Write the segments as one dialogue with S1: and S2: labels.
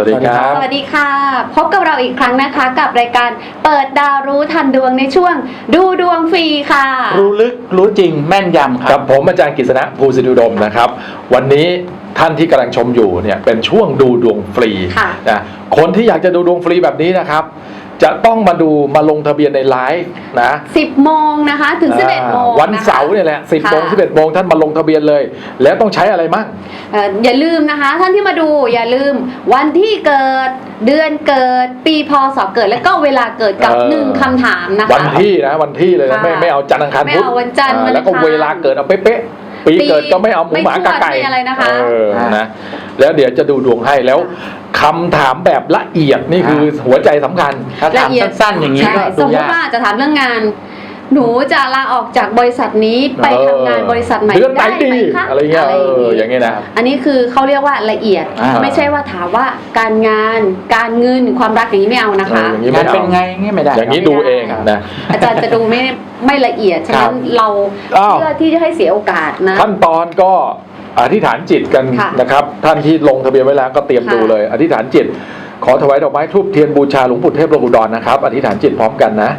S1: วัสดีครับ
S2: สวัสดีค่ะพบกับเราอีกครั้งนะคะกับรายการเปิดดาวรู้ทันดวงในช่วงดูดวงฟรีค่ะ
S3: รู้ลึกรู้จริงแม่นยำค
S1: กั
S3: รั
S1: บบ ผมอาจารย์กฤษณะภูสิริอุดมนะครับวันนี้ท่านที่กำลังชมอยู่เนี่ยเป็นช่วงดูดวงฟรี
S2: ค่ะ
S1: นะคนที่อยากจะดูดวงฟรีแบบนี้นะครับจะต้องมาลงทะเบียนในไลฟ์นะ
S2: 10 โมงนะคะถึง 11 โมง
S1: วันเสาร์เนี่ยแหละ10 โมง 11 โมงท่านมาลงทะเบียนเลย แล้วต้องใช้อะไรมั่ง
S2: อย่าลืมนะคะท่านที่มาดูอย่าลืมวันที่เกิดเดือนเกิดปีพศเกิดแล้วก็เวลาเกิดกับ1คำถามนะคะ
S1: วันที่เลยนะ
S2: ค่ะ
S1: ไม่เอาจันทร์อังคาร
S2: ไม่
S1: พุธ
S2: เอาวันจันทร์วันอังคาร
S1: แล้วก็เวลาเกิดเอาเป๊ะๆปีเกิดก็ไม่เอาหมูหมากาไก่
S2: ไม่อะไรนะคะ
S1: นะแล้วเดี๋ยวจะดูดวงให้แล้วคำถามแบบละเอียดนี่คือหัวใจสำคัญ
S3: ถ้าถามสั้นๆอย่างนี้
S2: ใช่
S3: ก็
S2: ส
S3: ดู
S2: มม
S3: ยา
S2: ติ
S3: ก
S2: ว่าจะถามเรื่องงาน หนูจะลาออกจากบริษัทนี้ไปทำงานบริษัทใหม่
S1: เดือนไหน
S2: ได้
S1: ดี
S2: ไหมคะ
S1: อะไรเงี้ยอย่างเงี้ยนะ
S2: อันนี้คือเขาเรียกว่าละเอียด ไม่ใช่ว่าถามว่าการงานการเงินความรักอย่างนี้ไม่เอานะคะ
S1: อย่างนี้
S3: งานเป็นไงเงี้ยไม่ได้
S1: อย่างนี้ดูเองนะ
S2: อาจารย์จะดูไม่ละเอียดฉะนั้นเรา
S1: อ้าว
S2: เพื่อที่จะให้เสียโอกาสนะ
S1: ขั้นตอนก็อธิษฐานจิตกัน
S2: ค่ะ
S1: นะครับ ท่านที่ลงทะเบียนไว้แล้วก็เตรียม
S2: ค่ะ
S1: ดูเลย อธิษฐานจิต ขอถวายดอกไม้ทูบเทียนบูชาหลวงปู่เทพโลกุดรนะครับ อธิษฐานจิตพร้อมกันนะ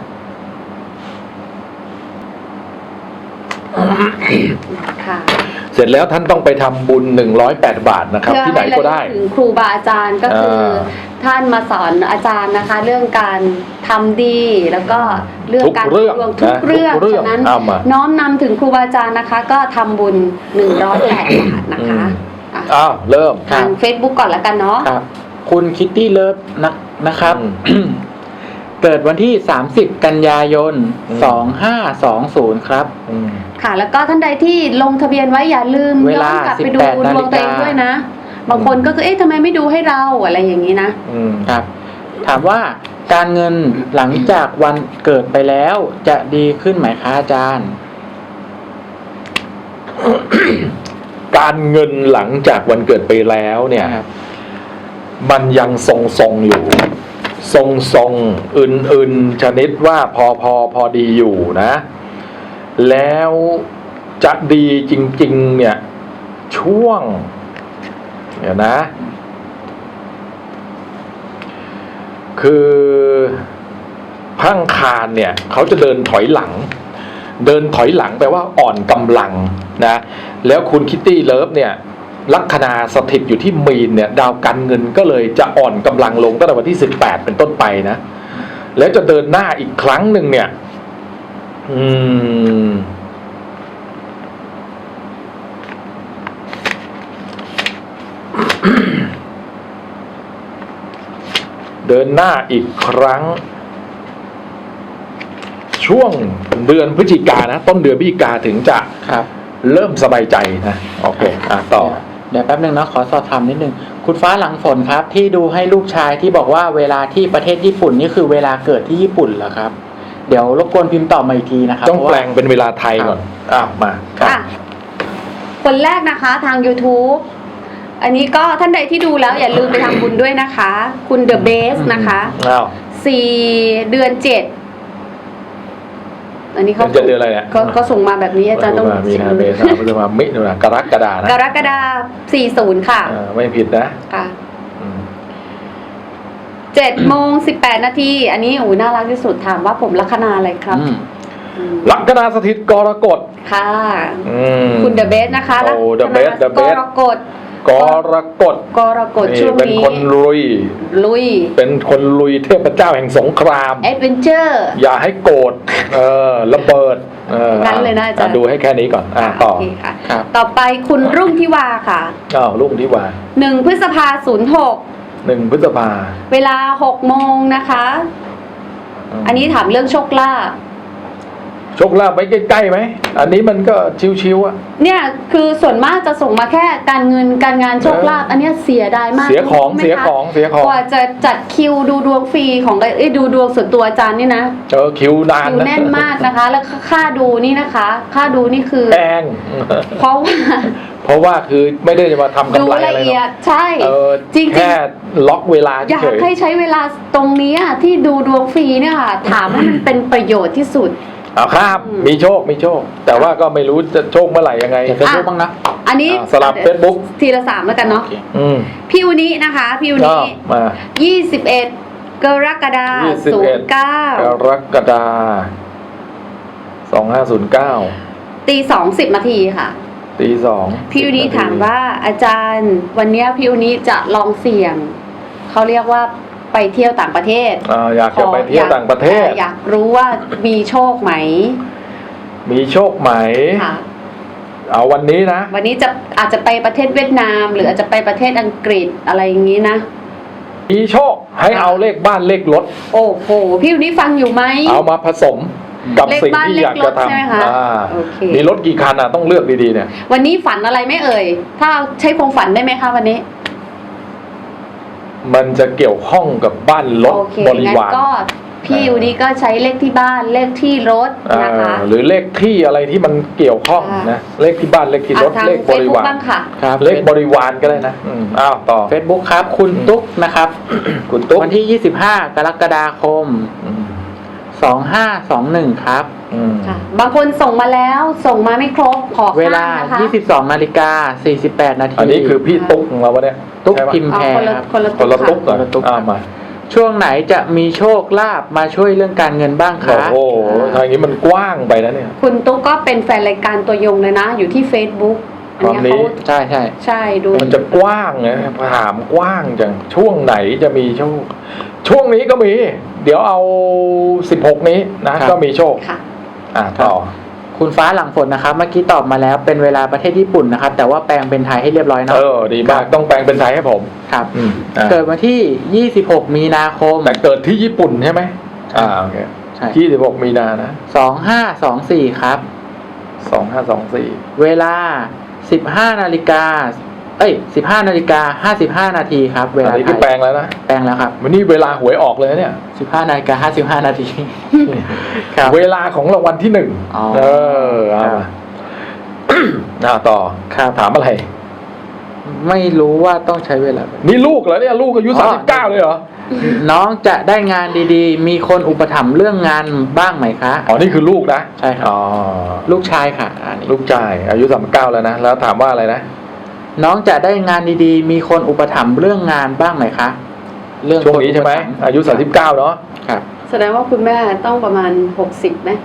S2: ค่ะ
S1: เสร็จแล้วท่านต้องไปทำบุญ108 บาทนะครับ ที่ไหนก็ได้
S2: เพื่อให้ระลึถึงครูบาอาจารย์ก็คือท่านมาสอนอาจารย์นะคะ เรื่องการทำดีแล้วก็เรื่องการ
S1: ทุกเรื่อง
S2: ดวงทุกเรื่อง
S1: ทุกเรื่อง
S2: ฉะนั้น
S1: เอามา
S2: น้อมนำถึงครูบาอาจารย์นะคะ ก็ทำบุญ108 บาทนะคะอ่ะ
S1: อ้าวเริ่ม
S2: ทาง Facebook ก่อนแล้วกันเนาะ
S3: ครับ คุณคิตตี้เลิฟนะครับ เกิดวันที่ 30 กันยายน 2520 ครับ
S2: ค่ะ แล้วก็ท่านใดที่ลงทะเบียนไว้อย่าลืม
S3: เวลา
S2: ย้อนกลับไปดู
S3: 18
S2: ดวงตัวเองด้วยนะ บางคนก็คือเอ๊ะทำไมไม่ดูให้เราอะไรอย่างนี้นะ
S3: ครับ ถามว่าการเงินหลังจากวันเกิดไปแล้วจะดีขึ้นไหมคะอาจารย์
S1: การเงินหลังจากวันเกิดไปแล้วเนี่ย
S3: ครับ
S1: มันยังทรงๆอยู่ ทรงๆอื่นๆชนิดว่าพอดีอยู่นะ แล้วจะดีจริงๆเนี่ยช่วงเดี๋ยวนะ คือพังคารเนี่ยเขาจะเดินถอยหลังแปลว่าอ่อนกำลังนะแล้วคุณคิตตี้เลิฟเนี่ยลัคนาสถิตอยู่ที่มีนเนี่ยดาวการเงินก็เลยจะอ่อนกำลังลงตั้งแต่วันที่18เป็นต้นไปนะแล้วจะเดินหน้าอีกครั้งหนึ่งเนี่ยเดินหน้าอีกครั้งช่วงเดือนพฤศจิกายนนะต้นเดือนพฤศจิกายนถึงจะ
S3: ครับ
S1: เริ่มสบายใจนะโอเคต่อ
S3: เดี๋ยวแป๊บนึงนะขอสอบถามนิดนึงคุณฟ้าหลังฝนครับ ที่ดูให้ลูกชายที่บอกว่าเวลาที่ประเทศญี่ปุ่นนี่คือเวลาเกิดที่ญี่ปุ่นเหรอครับ เดี๋ยวรบกวนพิมพ์ตอบมาอีกทีนะครับ
S1: ต้องแปลงเป็นเวลาไทยก่อนมา
S2: ค่ะ คนแรกนะคะทาง YouTube อันนี้ก็ท่านใดที่ดูแล้วอย่าลืมไปทำบุญด้วยนะคะ คุณ The Base นะคะ 4 เดือน 7 อันนี้เขา
S1: เดือนอะไรเนี่ย
S2: ก็ส่งมาแบบนี้อาจารย์ต้อง
S1: มีนาเมษาพฤษภามิถุนากรกฎานะ
S2: กรกฎาคม 40 ค่ะ
S1: ไม่ผิดนะ
S2: ค่ะ7 โมง 18 นาที อันนี้น่ารักที่สุดถามว่าผมลัคนาอะไรครับ
S1: ลัคนาสถิตกรกฎ
S2: ค่ะ คุณ The Base นะคะ
S1: โอ้ The Base The
S2: ก
S1: Base
S2: รกฎ
S1: กรกฎ
S2: กรกฎช่วง
S1: เป็น
S2: นี้
S1: คนลุย เป็นคนลุยเทพเจ้าแห่งสงคราม
S2: แอดเวนเจอร์
S1: อย่าให้โกรธระเบิด
S2: งั้นเลยนะอาจารย์
S1: ดูให้แค่นี้ก่อนต่อ
S2: โอเคค่ะ
S3: ครับ
S2: ต่อไปคุณรุ่งทิวาค่ะ
S1: ลุงที่ว่า
S2: 1 พฤษภา06
S1: 1 พฤษภา
S2: เวลา 6 โมงนะคะ อันนี้ถามเรื่องโชคลาภ
S1: โชคลาภไว้ใกล้ๆไหมอันนี้มันก็ชิวๆอ่ะ
S2: เนี่ยคือส่วนมากจะส่งมาแค่การเงินการงานโชคลาภอันเนี้ยเสียดายมาก
S1: เสียของ
S2: รู้ไหมคะ
S1: เสียของ
S2: กว่าจะจัดคิวดูดวงฟรีของดูดวงส่วนตัวอาจารย์นี่นะ
S1: คิวนาน
S2: คิวแน่นมากนะคะ แล้วค่าดูนี่นะคะ ค่าดูนี่คือ
S1: แพง
S2: เพราะว่า
S1: คือไม่ได้จะมาทำ
S2: ดู
S1: กำไร
S2: ละ
S1: อะไรหร
S2: เอีย
S1: อก
S2: ดใช่ จริงๆ
S1: แค่ล็อกเวลา
S2: อยาก
S1: เฉย
S2: ให้ใช้เวลาตรงนี้ที่ดูดวงฟรีเนี่ยค่ะ ถามให้มันเป็นประโยชน์ที่สุด
S1: เอาข้ามมีโชคมีโชค แต่ว่าก็ไม่รู้จะโชคเมื่อไหร่ยังไง
S3: เดี๋ยวเฟซบุ๊กบ้างนะ
S2: อันนี้
S1: สลับ Facebook
S2: ทีละ3แล้วกันเนาะ
S3: โอเค
S2: พี่อุนินะคะพี่อุ
S1: ก็
S2: นิ
S1: มา
S2: 21 กรกฎาคม
S1: 21 ก
S2: 09
S1: รกฎาคม2509
S2: ตี2:10 นาทีค่ะ
S1: ตีสอง
S2: พี่อุนิถามว่าอาจารย์วันเนี้ยพี่อุนิจะลองเสี่ยงเขาเรียกว่าไปเที่ยวต่างประเทศ
S1: อยากจะไปเที่ยวต่างประเทศ
S2: อยากรู้ว่ามีโชคไหม
S1: มีโชคไหม
S2: ค่ะ
S1: เอาวันนี้นะ
S2: วันนี้จะอาจจะไปประเทศเวียดนาม หรืออาจจะไปประเทศอังกฤษอะไรอย่างนี้นะ
S1: มีโชคให้เอาเลขบ้านเลขรถ
S2: โอ้โหพี่อุนิฟังอยู่ไหม
S1: เอามาผสมกับ
S2: เลข
S1: สิ่ง
S2: บ้าน
S1: ที่อยากจะ
S2: เลขรถใช่ไหม
S1: ทำ
S2: คะโอเค
S1: มีรถกี่คันต้องเลือกดีๆเนี่ย
S2: วันนี้ฝันอะไรไม่เอ่ย ถ้าใช้ความฝันได้ไหมคะวันนี้
S1: มันจะเกี่ยวข้องกับบ้านรถ
S2: โอเค
S1: บริ
S2: งั้น
S1: วาร
S2: ก็พี่อุนิก็ใช้เลขที่บ้านเลขที่รถนะคะ
S1: หรือเลขที่อะไรที่มันเกี่ยวข้อง
S2: ค่ะ
S1: นะเลขที่บ้านเลขที่รถ
S2: ทาง
S1: เลข
S2: เฟ
S1: บ
S2: ซ
S1: ริ
S2: บุ๊ก
S1: วาร
S2: บ้างค่ะ
S3: ครับ
S1: เลขบริวารก็ได้นะอ้าวต่อ
S3: เฟซบุ๊กครับ คุณตุ๊กนะครับ
S1: คุณตุ๊ก
S3: วันที่ 25 กรกฎาคม
S1: อืม
S3: 2521 ครับ
S1: อืม
S2: ค่ะ บางคนส่งมาแล้วส่งมาไม่ครบขอ
S3: เว
S2: ข้าม
S3: ลา
S2: นะคะ
S3: 22 นาฬิกา 48 นาที
S1: อันนี้คือพี่ตุ๊กของเราวะเนี่ย
S3: ตุ๊ก
S1: ใช่ปะ
S3: พิมพ์
S2: เอา
S3: แพร
S2: คนละ
S3: ครับ
S2: คนละ
S1: คนละตุ๊ก
S2: ค่ะ
S1: เหรอ
S3: คนละตุ๊ก
S1: มา
S3: ช่วงไหนจะมีโชคลาภมาช่วยเรื่องการเงินบ้างคะ
S1: โอ้โหทางนี้มันกว้างไปนะเนี่ย
S2: คุณตุ๊กก็เป็นแฟนรายการตัวยงเลยนะ อยู่ที่ Facebook อันเนี้ย
S1: ตอนนี้
S2: เขา
S3: ใช่ใช่
S2: ใช่ดู
S1: มันจะกว้างนะถามกว้างจังช่วงไหนจะมีโชค ช่วงนี้ก็มี เดี๋ยวเอา16นี้นะก็มีโชค
S2: ค่ะ
S1: ต่อ
S3: คุณฟ้าหลังฝนนะครับ เมื่อกี้ตอบมาแล้วเป็นเวลาประเทศญี่ปุ่นนะครับ แต่ว่าแปลงเป็นไทยให้เรียบร้อยเนาะ
S1: ดีมากต้องแปลงเป็นไทยให้ผม
S3: ครับ
S1: อ่ะ
S3: เกิดวันที่ 26 มีนาคม
S1: แต่เกิดที่ญี่ปุ่นใช่ไหมโอเค
S3: ใช่
S1: 26มีนานะ
S3: 2524 ครับ
S1: 2524
S3: เวลา 15 นาฬิกา 15 นาฬิกา 55 นาทีครับ เว
S1: อั
S3: ลาน
S1: นี้
S3: ไท
S1: คือย แปลงแล้วนะ
S3: แปลงแล้วครับ
S1: วันนี้เวลาหวยออกเลยนะเนี่ย
S3: 15 นาฬิกา 55 นาที ครับ
S1: เวลาของรางวัลที่หนึ่ง
S3: อ๋อ
S1: เอา
S3: ครับ
S1: มาต่อ
S3: ครับ
S1: ถามอะไร
S3: ไม่รู้ว่าต้องใช้เวลา
S1: นี่ลูกเหรอเนี่ยลูกอายุ
S3: อ๋อ
S1: 39เลยเหรอ
S3: น้องจะได้งานดีๆ มีคนอุปถัมภ์เรื่องงานบ้างไหมคะ
S1: อ๋อนี่คือลูกนะ
S3: ใช่ครับ
S1: อ๋อ
S3: ลูกชายค่ะอันนี้
S1: ลูกชายอายุ39แล้วนะแล้วถามว่าอะไรนะ
S3: น้องจะได้งานดีๆ มีคนอุปถัมภ์เรื่องงานบ้างไหมคะ เรื่อง
S1: ช่วงนี้ใช่ไหม
S3: คนอุปถัภ์
S1: อายุ39เนาะ
S3: ครับ
S2: แสดงว่าคุณแม่ต้องประมาณ60ไหม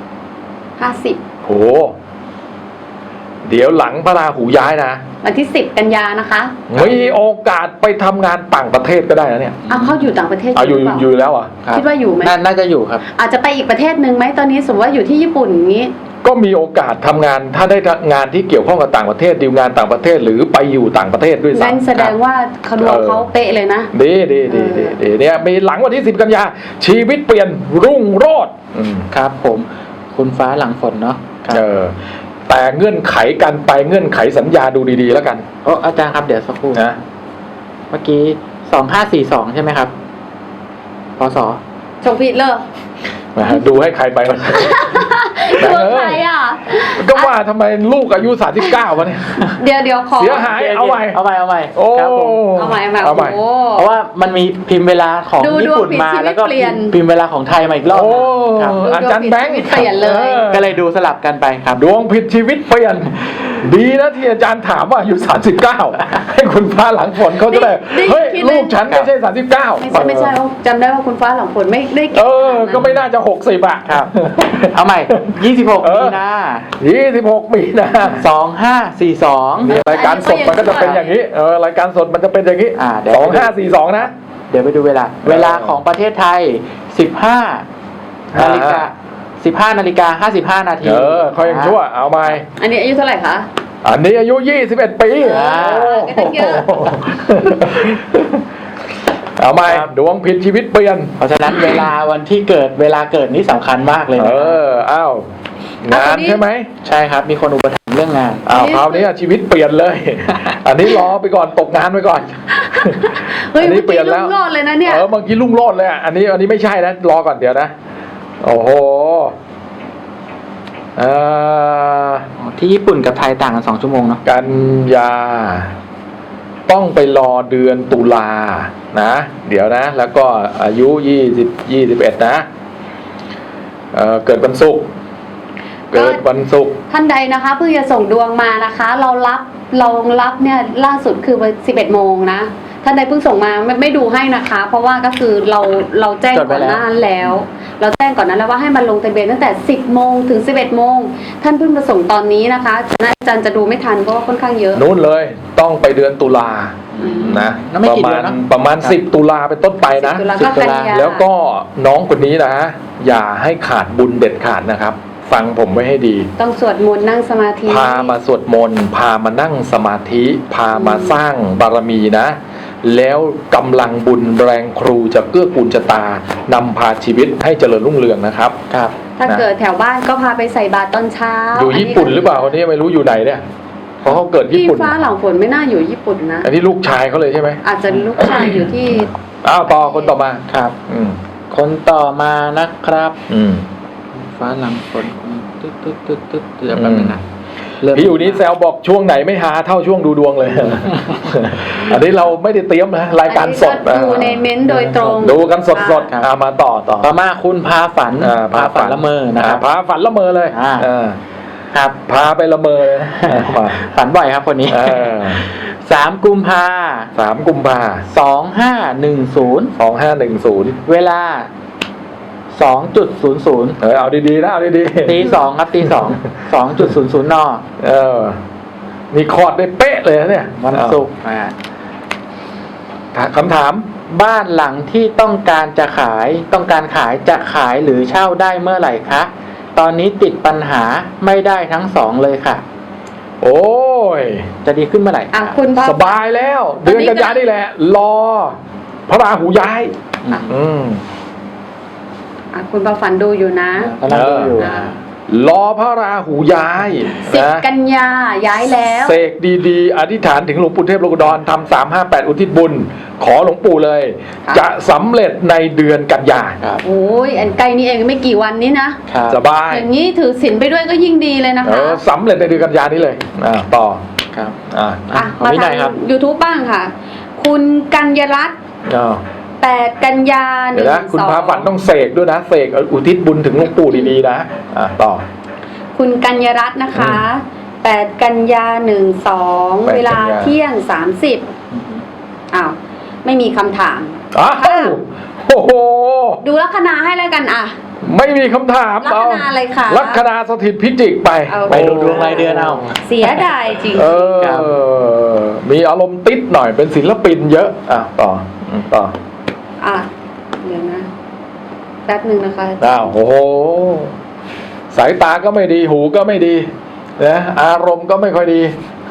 S2: 50
S1: โหเดี๋ยวหลังพระราหูย้ายนะ
S2: วันที่10 กันยานะคะ
S1: มีโอกาสไปทำงานต่างประเทศก็ได้นะเนี่ย
S2: เอาเขาอยู่ต่างประเทศ
S1: อยู่
S2: หรือเปล่า
S1: อยู่แล้วอ่ะ
S3: ครับ
S2: คิดว่าอยู่ไหม
S3: น่าจะอยู่ครับ
S2: อาจจะไปอีกประเทศหนึ่งไหมตอนนี้สมมติว่าอยู่ที่ญี่ปุ่นอย่างนี้
S1: ก็มีโอกาสทำงานถ้าได้งานที่เกี่ยวข้องกับต่างประเทศดีลงานต่างประเทศหรือไปอยู่ต่างประเทศด้วย
S2: งั้น
S1: ซ้ำ
S2: แสดงว่าเขาดวงเขาเป๊ะเลยนะ
S1: ดีเนี่ยมีหลังวันที่10 กันยาชีวิตเปลี่ยนรุ่งโรจน์
S3: ครับผม คุณฟ้าหลังฝนเนาะครับ
S1: แต่เงื่อนไขกันไปเงื่อนไขสัญญาดูดีๆแล้วกัน
S3: โอ้อาจารย์ครับเดี๋ยวสักครู่
S1: นะ
S3: เมื่อกี้ 2542 ใช่ไหมครับพศ
S2: ชงผิดเลย
S1: ดูให้ใครไปมัน
S2: ดวงใครอ่ะ
S1: ก็ว่าทำไมลูกอายุ39วะเนี่ย
S2: เดี๋ยวขอ
S1: เสียหาย เอาใหม่
S3: เอาใหม่
S1: โอ้
S3: ครับผม
S2: เอาใหม่
S1: เอาใหม่
S2: โอ้
S3: เพราะว่ามันมีพิมพ์เวลาของ
S2: ดู
S3: ญี่ปุ่นมา
S2: ดวงผิดชีวิต
S3: แล้วก็
S2: เปลี่ยน
S3: พิมพ์เวลาของไทยมาอีกรอบ
S1: โอ้
S3: ครับ
S1: อาจารย์แบงค์
S2: ดวงผิดชีวิตเปลี่ยนเลย
S3: ก็เลยดูสลับกันไปครับ
S1: ดวงผิดชีวิตเปลี่ยน ดีนะที่อาจารย์ถามว่าอายุ39ให้คุณฟ้าหลังฝนเขาจะได้เฮ้ยลูกฉันไม่ใช่39
S2: ไม่ใช่จำได้ว่าคุณฟ้าหลังฝนไม่ได้เก่ง
S1: ก็ไม่น่าจะ60อ่ะ
S3: ครับ เอาใหม่ 26 มีนา
S1: 26 มีนา
S3: 2542
S1: รายการสดมันก็จะเป็นอย่างนี้รายการสดมันจะเป็นอย่างนี้
S3: เดี๋ยว
S1: 2542นะ
S3: เดี๋ยวไปดูเวลา เวลาของประเทศไทย 15 นาฬิกา 15 นาฬิกา 55 นาที
S1: เขายังชั่วเอาไหม
S2: อันนี้อายุเท่าไหร่คะ
S1: อันนี้อายุ21 ปี
S2: ก็ตั้งเยอะ
S1: เอาไหมดวงผิดชีวิตเปลี่ยน
S3: เพราะฉะนั้นเวลาวันที่เกิดเวลาเกิดนี่สำคัญมากเลยนะ
S1: อ้าวงานใช่ไหม
S3: ใช่ครับ มีคนอุปถัมภ์เรื่องงาน
S1: คราวนี้ชีวิตเปลี่ยนเลย อันนี้รอไปก่อนตกงานไปก่อน
S2: เฮ้ย
S1: อันนี้
S2: เมื่อ
S1: เปลี่
S2: กี้
S1: ยนแล้ว
S2: รุ่งโรจน์เลยนะเนี่ย
S1: เมื่อกี้ลุ่งโรดเลยอันนี้ไม่ใช่นะรอก่อนเดี๋ยวนะโอ้โห
S3: ที่ญี่ปุ่นกับไทยต่างกัน2 ชั่วโมงเนาะ
S1: กันยาต้องไปรอเดือนตุลานะเดี๋ยวนะ แล้วก็อายุ21นะเกิดวันศุกร์เกิดวันศุกร์
S2: ท่านใดนะคะเพิ่งจะส่งดวงมานะคะ เรารับเนี่ยล่าสุดคือวัน11 โมงนะท่านใดเพิ่งส่งมาไม่ดูให้นะคะ เพราะว่าก็คือเราแจ้งก่อนหน้านั้นแล้ว เราแจ้งก่อนนั้นแล้วว่าให้มันลงทะเบียนตั้งแต่10 โมงถึง11 โมงท่านเพิ่งมาส่งตอนนี้นะคะอาจารย์จะดูไม่ทันเพราะว่าค่อนข้างเยอะ
S1: นู้นเลยต้องไปเดือนตุลานะ
S3: แล้วไม่กี่เดือนเนอะ
S1: ประมาณ10 ตุลาเป็นต้นไปนะ
S2: 10 ตุลาก็กันยา
S1: แล้วก็น้องคนนี้นะ อย่าให้ขาดบุญเด็ดขาดนะครับ ฟังผมไว้ให้ดี
S2: ต้องสวดมนต์นั่งสมาธิ
S1: พามาสวดมนต์พามานั่งสมาธิ พามาสร้างบารมีนะ แล้วกำลังบุญแรงครูจะเกื้อกูลชะตานำพาชีวิตให้เจริญรุ่งเรืองนะครับ
S3: ครับ
S2: ถ้าเกิดแถวบ้านก็พาไปใส่บาตรตอนเช้า
S1: อยู่ญี่ปุ่นหรือเปล่าคนนี้ไม่รู้อยู่ไหนเนี่ยเพราะเขาเกิดญี่
S2: พี่
S1: ปุ่น
S2: ฟ้าหลังฝนไม่น่าอยู่ญี่ปุ่นนะ
S1: อันนี้ลูกชายเขาเลยใช่ไหม
S2: อาจจะลูกชายอยู่ที่
S1: อ้าวต่อคนต่อมา
S3: ครับ
S1: อืม
S3: คนต่อมานะครับ
S1: อืม
S3: ฟ้าหลังฝนตึ๊ดเดี๋ยวแป๊บนึงนะเริ่ม
S1: พี่อยู่นี้แซวบอกช่วงไหนไม่หาเท่าช่วงดูดวงเลย อันนี้เราไม่ได้เตรียมนะรายการสด
S2: อันนี้ก็ดูในเม้นต์โดยตรง
S1: ดูกันสดๆมาต่อ
S3: ต่อมาคุณพาฝันพาฝันละเมอนะครับ
S1: พาฝันละเมอเลย
S3: ครับ
S1: พาไปละเมอเลยมา
S3: ฝันบ่อยครับคนนี้ 3 กุมภา
S1: 3 กุมภา
S3: 2510
S1: 2510
S3: เวลา 2.00
S1: เอาดีๆนะเอาดี
S3: ตี 2ครับตี 2.00 น
S1: นี่คอร์ดได้เป๊ะเลยนะเนี่ย
S3: วันศุกร์
S1: คำถาม
S3: บ้านหลังที่ต้องการขายจะขายหรือเช่าได้เมื่อไหร่คะ ตอนนี้ติดปัญหาไม่ได้ทั้งสองเลยค่ะ
S1: โอ้ย
S3: จะดีขึ้นเมื่อไหร่
S2: อ่ะคุณพ่อ
S1: สบายแล้ว เดือนกันยานี่แหละ รอ พระราหูย้าย อืม
S2: คุณประฝันดูอยู่นะ
S3: กำลังดูอยู่
S1: รอพระราหูย้าย
S2: 10 กันยาย้ายแล้ว
S1: เสกดีๆ อธิษฐานถึงหลวงปู่เทพโลกดรทำ358 อุทิศบุญ ขอหลวงปู่เลย
S2: ค่ะ
S1: จะสำเร็จในเดือนกันยา
S3: ครับ
S2: โอ้ยอันใกล้นี้เองไม่กี่วันนี้นะครับ
S1: สบาย
S2: อย่างนี้ถือศีลไปด้วยก็ยิ่งดีเลยนะคะ
S1: สำเร็จในเดือนกันยานี้เลยต่อ
S3: ครับ
S1: อ่า
S2: อ่ะ
S3: ของ
S2: มา
S3: วินั
S2: ทาย ง
S3: ครับ
S2: YouTube บ้างค่ะ คุณกัญญรัตน์
S1: อ้าว
S2: 8 กันยา
S1: เดี๋ยวนะคุณพาฝันต้องเสกด้วยนะเสกอุทิศบุญถึงหลวงปู่ดีๆนะต่อ
S2: คุณกัญญรัตน์นะคะ 8 กันยา12 เวลาเที่ยง 30อ้าวไม่มีคำถาม
S1: อ้าวโอ้โห
S2: ดูลัคนาให้แล้วกันอ่ะ
S1: ไม่มีคำถาม
S2: ลัคนาอะไรคะ
S1: ลัคนาสถิตพิจิกไป
S2: เอา
S3: ไปดูดวงรายเดือนเอา
S2: เสียดายจริง
S3: ครับ
S1: มีอารมณ์ติดหน่อยเป็นศิลปินเยอะต่อ
S2: อ่ะเดี๋ยวนะแป๊บหนึ่งนะคะ
S1: โอ้โหสายตาก็ไม่ดีหูก็ไม่ดีนะอารมณ์ก็ไม่ค่อยดี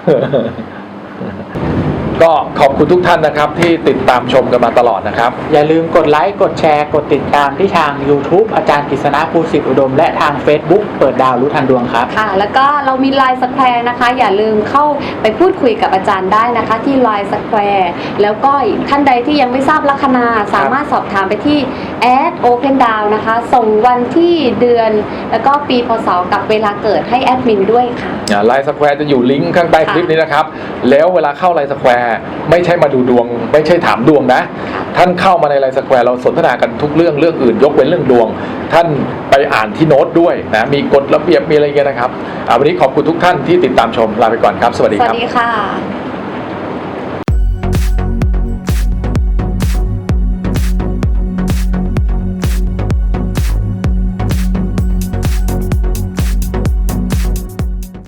S1: ก็ขอบคุณทุกท่านนะครับที่ติดตามชมกันมาตลอดนะครับ
S3: อย่าลืมกดไลค์กดแชร์กดติดตามที่ทาง YouTube อาจารย์กฤษณะภูสิทธิอุดมและทาง Facebook เปิดดาวรู้ทันดวงครับ
S2: ค่ะ แล้วก็เรามีไลน์สแควร์นะคะ อย่าลืมเข้าไปพูดคุยกับอาจารย์ได้นะคะ ที่ไลน์สแควร์แล้วก็ท่านใดที่ยังไม่ทราบลัคนาสามารถสอบถามไปที่แอดโอเพนดาวนะคะ ส่งวันที่เดือน แล้วก็ปีพศกับเวลาเกิดให้แอดมินด้วยค่ะ
S1: ไลน์สแควร์จะอยู่ลิงก์ข้างใต้คลิปนี้นะครับ แล้วเวลาเข้าไลน์สแควร์ไม่ใช่มาดูดวง ไม่ใช่ถามดวงนะ ท่านเข้ามาในไลน์สแควร์เราสนทนากันทุกเรื่องอื่นยกเว้นเรื่องดวง ท่านไปอ่านที่โน้ตด้วยนะมีกฎระเบียบมีอะไรเงี้ยนะครับวันนี้ขอบคุณทุกท่านที่ติดตามชมลาไปก่อนครับสวัสดี
S2: สวั
S1: ค
S2: ส
S1: รับ
S2: ดีค่ะ